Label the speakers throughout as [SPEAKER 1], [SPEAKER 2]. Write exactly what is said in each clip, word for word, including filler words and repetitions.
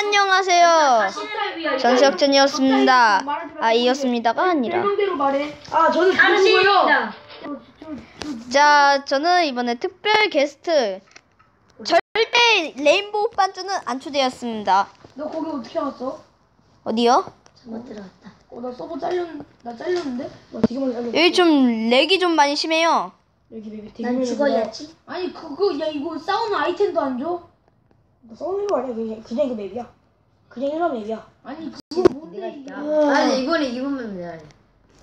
[SPEAKER 1] 안녕하세요. 전세혁전이었습니다. 아, 이었습니다가 아니라.
[SPEAKER 2] 설명대로 말해. 아, 저는 누구고요?
[SPEAKER 1] 자, 저는 이번에 특별 게스트 절대 레인보우 반주는 안 초대했습니다.
[SPEAKER 2] 너 거기 어떻게 왔어?
[SPEAKER 1] 어디요?
[SPEAKER 3] 잘못 들어갔다.
[SPEAKER 2] 어, 나 서버 잘렸, 나 잘렸는데? 나 되게 많이 잘렸어.
[SPEAKER 1] 여기 좀 렉이 좀 많이 심해요.
[SPEAKER 2] 여기 여기 되게
[SPEAKER 3] 난
[SPEAKER 2] 많이
[SPEAKER 3] 죽어야지.
[SPEAKER 2] 아니 그거 야 이거 싸우는 아이템도 안 줘? 나 싸우는 거 아니야? 그냥 그냥 이거 맵이야. 그냥 일반 맵이야. 아니 그거 뭔데 이게?
[SPEAKER 3] 아니 이번에 이번만 내가 해.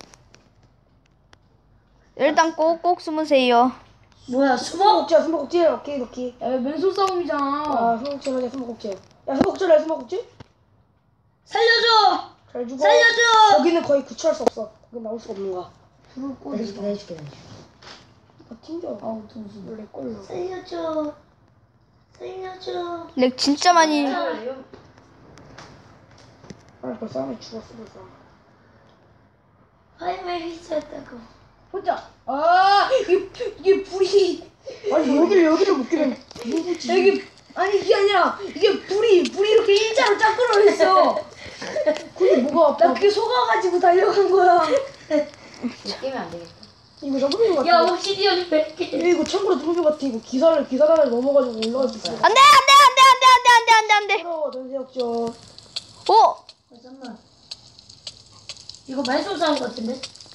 [SPEAKER 1] 일단 꼭꼭 숨으세요.
[SPEAKER 3] 뭐야
[SPEAKER 2] 숨어
[SPEAKER 3] 숨어?
[SPEAKER 2] 꼭지야 숨어 꼭지. 오케이 오케이. 야 맨손 싸움이잖아. 아 숨어 꼭지 맞아 숨어 꼭지. 야 숨어 꼭지래 숨어 꼭지.
[SPEAKER 3] 살려줘!
[SPEAKER 2] 잘 죽어.
[SPEAKER 3] 살려줘!
[SPEAKER 2] 거기는 거의 구출할 수 없어. 거기 나올 수가 없는 거야. 불을 꺼.
[SPEAKER 3] 내줄게 내줄게 내줄게.
[SPEAKER 2] 아 튕겨. 아우 정신. 원래 꼴로.
[SPEAKER 3] 살려줘. 살려줘.
[SPEAKER 1] 렉 진짜 많이.
[SPEAKER 2] 아 벌써 하면 죽었어 벌써.
[SPEAKER 3] 화임을 휘저었다고.
[SPEAKER 2] 혼자. 아 이게 이게 불이. 아니 여기를 여기를 못 끼면 누구지? 여기 아니 이게 아니라 이게 불이 불이 이렇게 일자로 쫙 끌어있어. 그게 뭐가 아파? 나 그게 속아가지고 달려간 거야.
[SPEAKER 3] 깨면 안 되겠다.
[SPEAKER 2] 이거 잡는 거 같아.
[SPEAKER 3] 야 옵시디언 몇 개?
[SPEAKER 2] 이거 참고로 들은 거 같아. 이거 기사를 기사단을 넘어가지고 올라갈 수 있어.
[SPEAKER 1] 안 돼, 안 돼, 안 돼, 안 돼, 안 돼, 안 돼, 안 돼, 안 돼.
[SPEAKER 2] 부러워 전세역전.
[SPEAKER 1] 오!
[SPEAKER 3] 잠깐만. 이거 말소 싸운 거 같은데?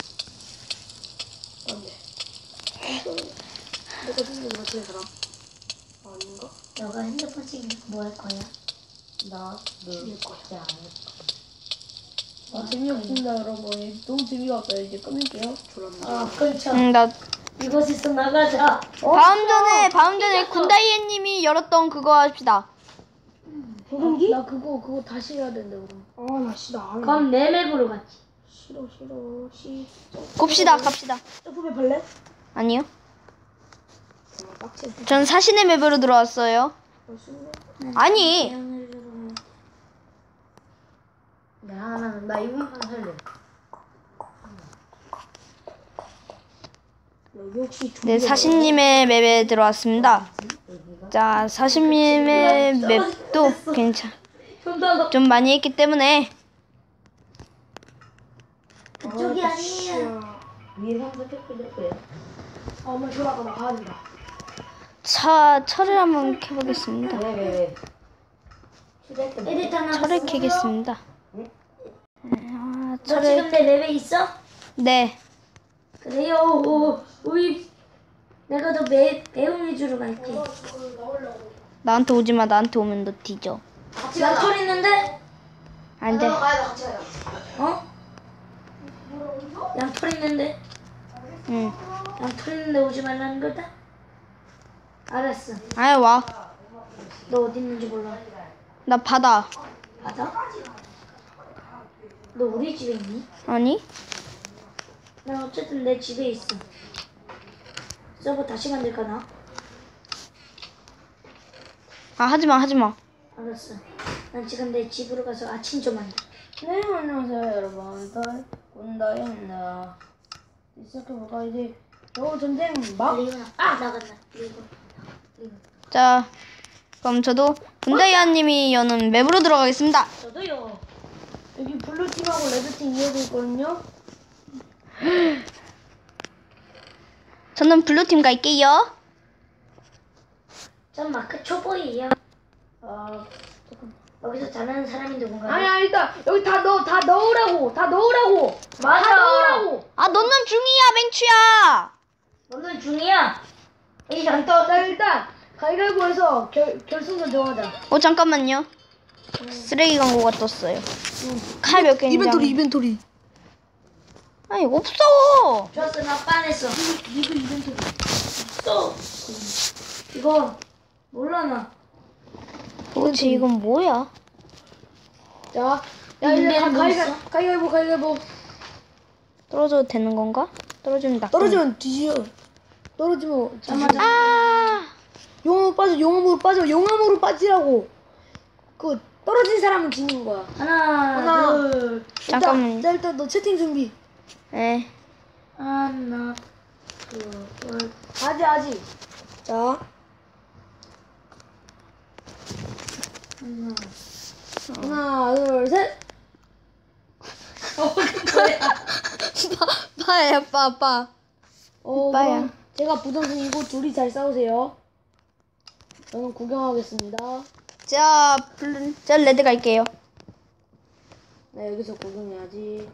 [SPEAKER 2] 안돼. 내가 죽는 거 같은 사람. 아닌가?
[SPEAKER 3] 너가 핸드폰 찍으면 뭐 할 거야? 나
[SPEAKER 2] 죽일 거야.
[SPEAKER 3] 진짜 안 해.
[SPEAKER 2] 아 재미없습니다 여러분. 너무 재미가 없어요. 이제 끊을게요. 졸았네.
[SPEAKER 3] 아 그렇죠.
[SPEAKER 1] 응, 나
[SPEAKER 3] 이곳에서 나가자.
[SPEAKER 1] 다음 전에 다음 전에 군다이애님이 열었던 그거 합시다.
[SPEAKER 2] 소금기? 나 그거 그거 다시 해야 된대 그럼. 아나 씨 나 안 해.
[SPEAKER 3] 그럼 내 맵으로 갔지.
[SPEAKER 2] 싫어 싫어 씨.
[SPEAKER 1] 곱시다, 갑시다.
[SPEAKER 2] 점프배 발레?
[SPEAKER 1] 아니요.
[SPEAKER 2] 정말 빡치.
[SPEAKER 1] 전 사신의 맵으로 들어왔어요. 아니.
[SPEAKER 3] 나, 나, 나 이번만 살래.
[SPEAKER 2] 여기 혹시
[SPEAKER 1] 네, 사신님의 맵에 들어왔습니다. 자, 사신님의 맵도 괜찮. 좀 많이 했기 때문에.
[SPEAKER 3] 그쪽이
[SPEAKER 2] 아,
[SPEAKER 3] 아니에요. 위에 상자 펴펴졌고요.
[SPEAKER 2] 아, 엄마 졸아가 나 가야 된다.
[SPEAKER 1] 차, 철을 한번 켜보겠습니다.
[SPEAKER 3] 왜, 왜, 왜? 에디터
[SPEAKER 1] 철을 켜겠습니다. 아,
[SPEAKER 3] 너 지금 내 맵에 있어?
[SPEAKER 1] 네.
[SPEAKER 3] 그래요. 오, 우리 내가 너 매, 매운이 주러 갈게.
[SPEAKER 1] 나한테 오지 마. 나한테 오면 너 뒤져.
[SPEAKER 3] 양털 있는데?
[SPEAKER 1] 안 돼.
[SPEAKER 3] 어? 양털 있는데?
[SPEAKER 1] 응.
[SPEAKER 3] 양털 있는데 오지 말라는 거다? 알았어.
[SPEAKER 1] 아이, 와.
[SPEAKER 3] 너 어디 있는지 몰라.
[SPEAKER 1] 나 바다.
[SPEAKER 3] 맞아? 너 우리 집에 있니?
[SPEAKER 1] 아니?
[SPEAKER 3] 난 어쨌든 내 집에 있어. 서버 다시 만들까나?
[SPEAKER 1] 아, 하지마, 하지마.
[SPEAKER 3] 알았어. 난 지금 내 집으로 가서 아침 좀 한다.
[SPEAKER 2] 네, 안녕하세요, 여러분. 군다입니다. 시작해볼까? 이제, 요 전쟁 막?
[SPEAKER 3] 리오나 아 나간다. 리고 리고.
[SPEAKER 1] 자, 그럼 저도 군다이아님이 여는 맵으로 들어가겠습니다.
[SPEAKER 3] 저도요.
[SPEAKER 2] 여기 블루팀하고 레드팀 이어져 있거든요?
[SPEAKER 1] 저는 블루팀 갈게요.
[SPEAKER 3] 전 마크 초보이에요.
[SPEAKER 2] 아, 조금.
[SPEAKER 3] 여기서 잘하는 사람이 누군가요?
[SPEAKER 2] 아니야, 일단, 여기 다 넣어, 다 넣으라고! 다 넣으라고!
[SPEAKER 3] 맞아.
[SPEAKER 2] 다 넣으라고!
[SPEAKER 1] 아, 너는 중이야, 맹추야.
[SPEAKER 3] 너는 중이야. 여기 안 떠.
[SPEAKER 2] 자, 일단, 가위바위보해서 결, 결승전 정하자.
[SPEAKER 1] 어, 잠깐만요. 쓰레기 광고가 떴어요. 칼 몇 개 있는지. 한번-
[SPEAKER 2] 이벤토리.
[SPEAKER 1] 아니, 없어.
[SPEAKER 3] 좋았어. 나 빠냈어.
[SPEAKER 2] 이거 이벤토리.
[SPEAKER 3] 또. 이거 몰라 나.
[SPEAKER 1] 도대체 이건 뭐야?
[SPEAKER 2] 자, 야, 이제
[SPEAKER 3] 인벤 뭐
[SPEAKER 2] 가위가,
[SPEAKER 3] 있어?
[SPEAKER 2] 가위바위보, 가위바위보.
[SPEAKER 1] 떨어져도 되는 건가? 떨어지면 나.
[SPEAKER 2] 떨어지면 뒤져. 떨어지면
[SPEAKER 3] 잠깐만.
[SPEAKER 2] 뒤져.
[SPEAKER 1] 아,
[SPEAKER 2] 용암으로 빠져, 용암으로 빠져, 용암으로 빠지라고. 그 떨어진 사람은 지는 거야.
[SPEAKER 3] 하나,
[SPEAKER 2] 하나.
[SPEAKER 3] 둘,
[SPEAKER 1] 잠깐만요.
[SPEAKER 2] 일단, 일단 너 채팅 준비.
[SPEAKER 1] 네.
[SPEAKER 3] 하나, 둘, 둘.
[SPEAKER 2] 아직 아직. 자,
[SPEAKER 3] 하나,
[SPEAKER 2] 하나, 둘, 셋.
[SPEAKER 3] 어, 뭐야?
[SPEAKER 1] 빠, 빠야, 빠, 빠.
[SPEAKER 2] 어,
[SPEAKER 1] 빠야.
[SPEAKER 2] 그럼 제가 부전승이고 둘이 잘 싸우세요. 저는 구경하겠습니다.
[SPEAKER 1] 자, 블루, 자, 레드 갈게요.
[SPEAKER 2] 네, 여기서 구경해야지.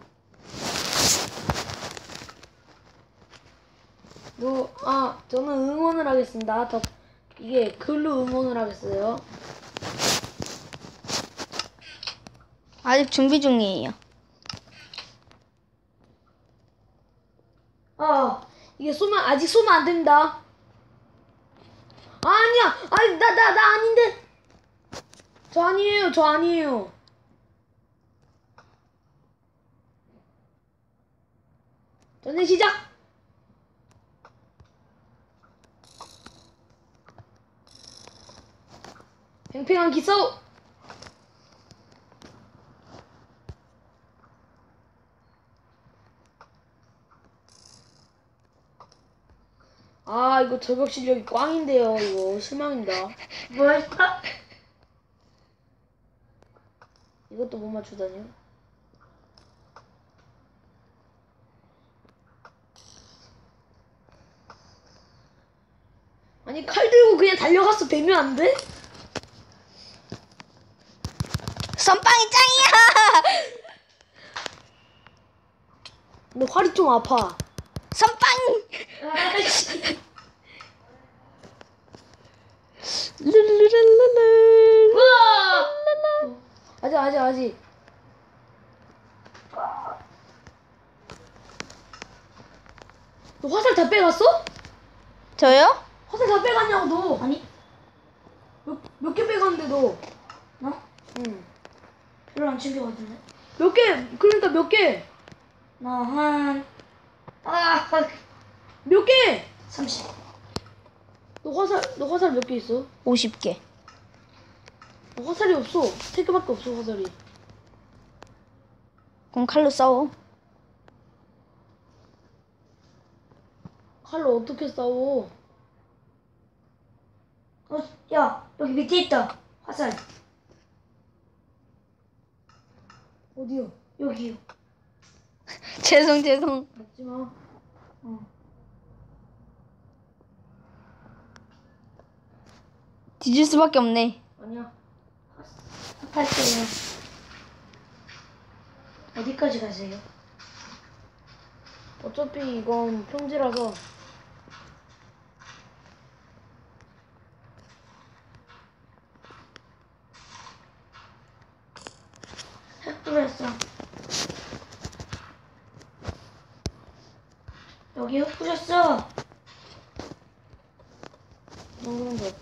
[SPEAKER 2] 너, 아, 저는 응원을 하겠습니다. 더, 이게 글로 응원을 하겠어요.
[SPEAKER 1] 아직 준비 중이에요.
[SPEAKER 2] 아, 이게 쏘면, 아직 쏘면 안 됩니다. 아니야! 아니, 나, 나, 나 아닌데! 저 아니에요, 저 아니에요. 전쟁 시작! 팽팽한 기싸움! 아, 이거 저격 실력이 꽝인데요. 이거 실망입니다.
[SPEAKER 3] 뭐였다?
[SPEAKER 2] 이것도 못 맞추다니요. 아니, 칼 들고 그냥 달려갔어. 배면 안 돼?
[SPEAKER 1] 선빵이 짱이야!
[SPEAKER 2] 근데 활이 좀 아파.
[SPEAKER 1] 선빵!
[SPEAKER 3] 아이씨.
[SPEAKER 1] 룰루랄랄랄.
[SPEAKER 3] 우와!
[SPEAKER 2] 아직, 아직, 아직. 너 화살 다 빼갔어?
[SPEAKER 1] 저요?
[SPEAKER 2] 화살 다 빼갔냐고, 너.
[SPEAKER 3] 아니,
[SPEAKER 2] 몇, 몇 개 빼갔는데, 너.
[SPEAKER 3] 나?
[SPEAKER 2] 응.
[SPEAKER 3] 별로 안 챙겨갔는데.
[SPEAKER 2] 몇 개, 그러니까 몇 개?
[SPEAKER 3] 나 한, 아,
[SPEAKER 2] 몇 개?
[SPEAKER 3] 삼십.
[SPEAKER 2] 너 화살, 너 화살 몇 개 있어?
[SPEAKER 1] 오십 개.
[SPEAKER 2] 너 화살이 없어. 세 개밖에 없어, 화살이.
[SPEAKER 1] 그럼 칼로 싸워.
[SPEAKER 2] 칼로 어떻게 싸워?
[SPEAKER 3] 어, 야, 여기 밑에 있다. 화살.
[SPEAKER 2] 어디요?
[SPEAKER 3] 여기요.
[SPEAKER 1] 죄송, 죄송.
[SPEAKER 2] 맞지 마.
[SPEAKER 3] 어.
[SPEAKER 1] 뒤질 수밖에 없네.
[SPEAKER 2] 아니야.
[SPEAKER 3] 할게요. 어디까지 가세요?
[SPEAKER 2] 어차피 이건 평지라서.
[SPEAKER 3] 핵 뿌렸어. 여기 핵 뿌렸어.
[SPEAKER 2] 그런 거.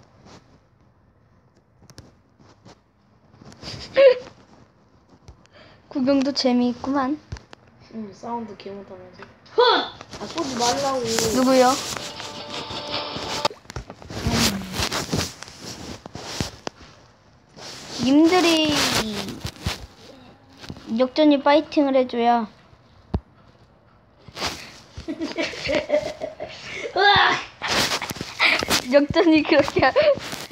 [SPEAKER 1] 구경도 재미있구만.
[SPEAKER 2] 응, 사운드 개 못하면서.
[SPEAKER 3] 훗!
[SPEAKER 2] 아, 쏘지 말라고.
[SPEAKER 1] 누구요? 님들이 역전이 파이팅을 해줘야.
[SPEAKER 3] 으악!
[SPEAKER 1] 역전이 그렇게 하-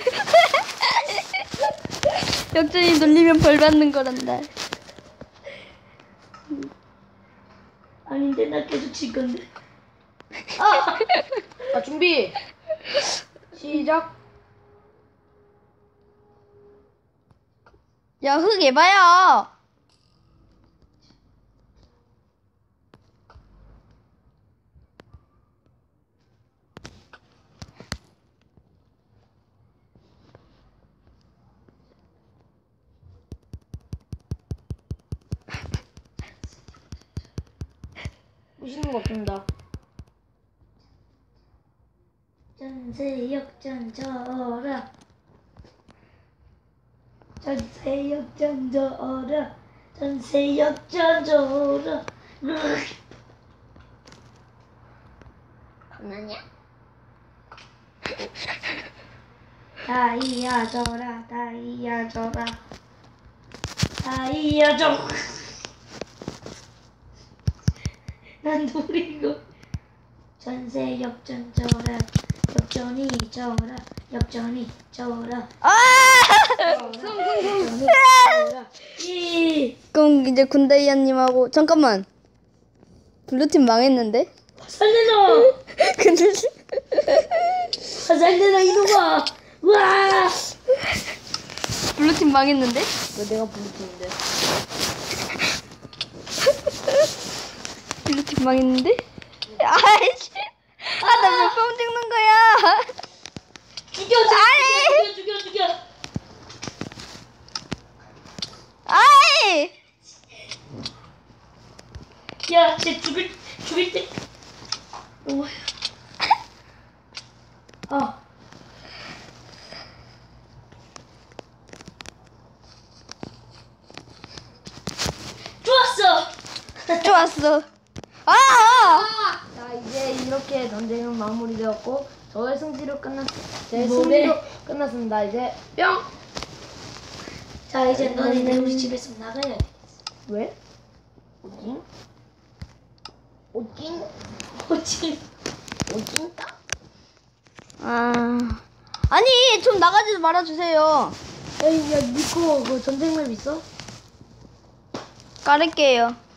[SPEAKER 1] 역전이 놀리면 벌 받는 거란다.
[SPEAKER 3] 아닌데 나 계속 칠 건데.
[SPEAKER 2] 아, 준비. 시작.
[SPEAKER 1] 야, 흙 해봐요.
[SPEAKER 2] 보시는 거 없습니다.
[SPEAKER 3] 전세 역전 저어라. 전세 역전 저어라. 전세 역전 저어라.
[SPEAKER 1] 장난이야?
[SPEAKER 3] 다이아 져라. 다이아 져라. 다이아 져. 난 노리고. 전세 역전 저어라. 역전이 저어라. 역전이 저어라.
[SPEAKER 1] 아!
[SPEAKER 3] 역전이
[SPEAKER 1] 아! 저는 이제 군다이아님하고 잠깐만. 블루팀 망했는데?
[SPEAKER 3] 살려줘.
[SPEAKER 1] 근데
[SPEAKER 3] 살려줘 이놈아. 우와.
[SPEAKER 1] 블루팀 망했는데?
[SPEAKER 2] 왜 내가 부르는데?
[SPEAKER 1] 블루팀 망했는데? 아이씨. 아, 나 몇 번 찍는 거야?
[SPEAKER 3] 죽여
[SPEAKER 1] 아이.
[SPEAKER 3] 죽여 죽여 죽여.
[SPEAKER 1] 아이!
[SPEAKER 3] 야, 쟤 죽일 죽일 때. 오. 아. 좋았어.
[SPEAKER 1] 좋았어. 아! 아!
[SPEAKER 2] 자 이제 이렇게 전쟁은 마무리되었고 저의 승리로 끝났 제
[SPEAKER 3] 뭐래?
[SPEAKER 2] 승리로 끝났습니다. 이제 뿅.
[SPEAKER 3] 자, 이제 너희들 우리 집에서 나가야 돼.
[SPEAKER 2] 왜? 오징? 오징?
[SPEAKER 3] 어찌?
[SPEAKER 2] 오징?
[SPEAKER 1] 아. 아니, 좀 나가지 말아 주세요.
[SPEAKER 2] 에이 야 니코 그 전쟁 맵 있어?
[SPEAKER 1] 깔을게요.